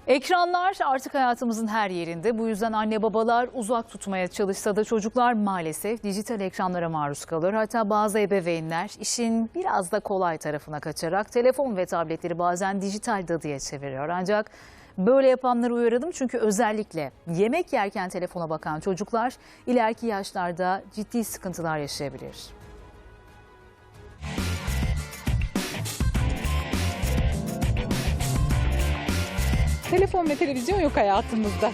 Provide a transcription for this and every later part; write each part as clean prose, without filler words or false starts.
Ekranlar artık hayatımızın her yerinde. Bu yüzden anne babalar uzak tutmaya çalışsa da çocuklar maalesef dijital ekranlara maruz kalır. Hatta bazı ebeveynler işin biraz da kolay tarafına kaçarak telefon ve tabletleri bazen dijital dadıya çeviriyor. Ancak böyle yapanları uyaralım çünkü özellikle yemek yerken telefona bakan çocuklar ileriki yaşlarda ciddi sıkıntılar yaşayabilir. Telefon ve televizyon yok hayatımızda.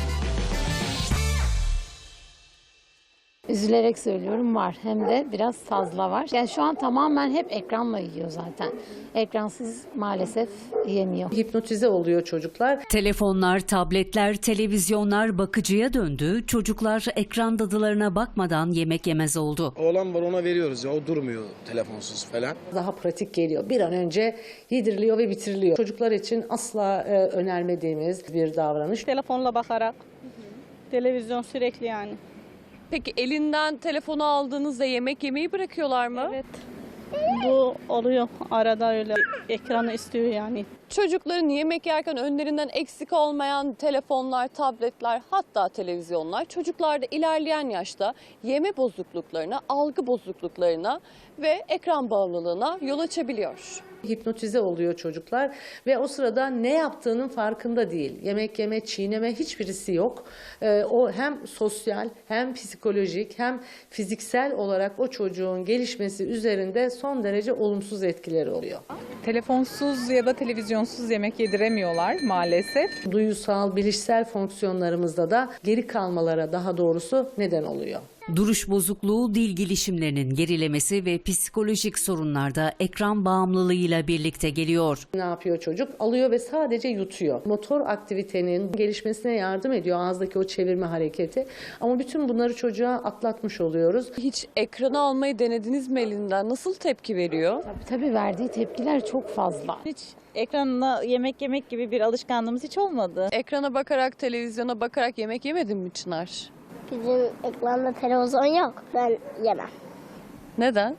Üzülerek söylüyorum, var. Hem de biraz fazla var. Yani şu an tamamen hep ekranla yiyor zaten. Ekransız maalesef yemiyor. Hipnotize oluyor çocuklar. Telefonlar, tabletler, televizyonlar bakıcıya döndü. Çocuklar ekran dadılarına bakmadan yemek yemez oldu. Oğlan var, ona veriyoruz ya, o durmuyor telefonsuz falan. Daha pratik geliyor. Bir an önce yediriliyor ve bitiriliyor. Çocuklar için asla önermediğimiz bir davranış. Telefonla bakarak, televizyon sürekli yani. Peki elinden telefonu aldığınızda yemek yemeyi bırakıyorlar mı? Evet. Bu oluyor arada, öyle ekranı istiyor yani. Çocukların yemek yerken önlerinden eksik olmayan telefonlar, tabletler, hatta televizyonlar çocuklarda ilerleyen yaşta yeme bozukluklarına, algı bozukluklarına ve ekran bağımlılığına yol açabiliyor. Hipnotize oluyor çocuklar ve o sırada ne yaptığının farkında değil. Yemek yeme, çiğneme hiçbirisi yok. O hem sosyal hem psikolojik hem fiziksel olarak o çocuğun gelişmesi üzerinde son derece olumsuz etkileri oluyor. Telefonsuz ya da televizyonsuz yemek yediremiyorlar maalesef. Duyusal, bilişsel fonksiyonlarımızda da geri kalmalara, daha doğrusu neden oluyor. Duruş bozukluğu, dil gelişimlerinin gerilemesi ve psikolojik sorunlar da ekran bağımlılığıyla birlikte geliyor. Ne yapıyor çocuk? Alıyor ve sadece yutuyor. Motor aktivitenin gelişmesine yardım ediyor ağızdaki o çevirme hareketi. Ama bütün bunları çocuğa atlatmış oluyoruz. Hiç ekranı almayı denediniz mi elinden? Nasıl tepki veriyor? Tabii verdiği tepkiler çok fazla. Hiç ekranla yemek yemek gibi bir alışkanlığımız hiç olmadı. Ekrana bakarak, televizyona bakarak yemek yemedin mi Çınar? Bizim ekranda televizyon yok. Ben yemem. Neden?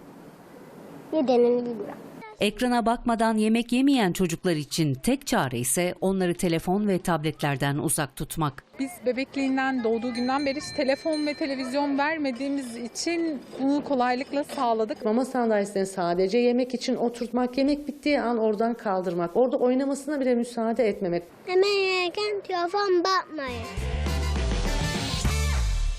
Nedenini bilmiyorum. Ekrana bakmadan yemek yemeyen çocuklar için tek çare ise onları telefon ve tabletlerden uzak tutmak. Biz bebekliğinden, doğduğu günden beri hiç telefon ve televizyon vermediğimiz için bunu kolaylıkla sağladık. Mama sandalyesine sadece yemek için oturtmak, yemek bittiği an oradan kaldırmak, orada oynamasına bile müsaade etmemek. Hemen yerken telefon bakmayın.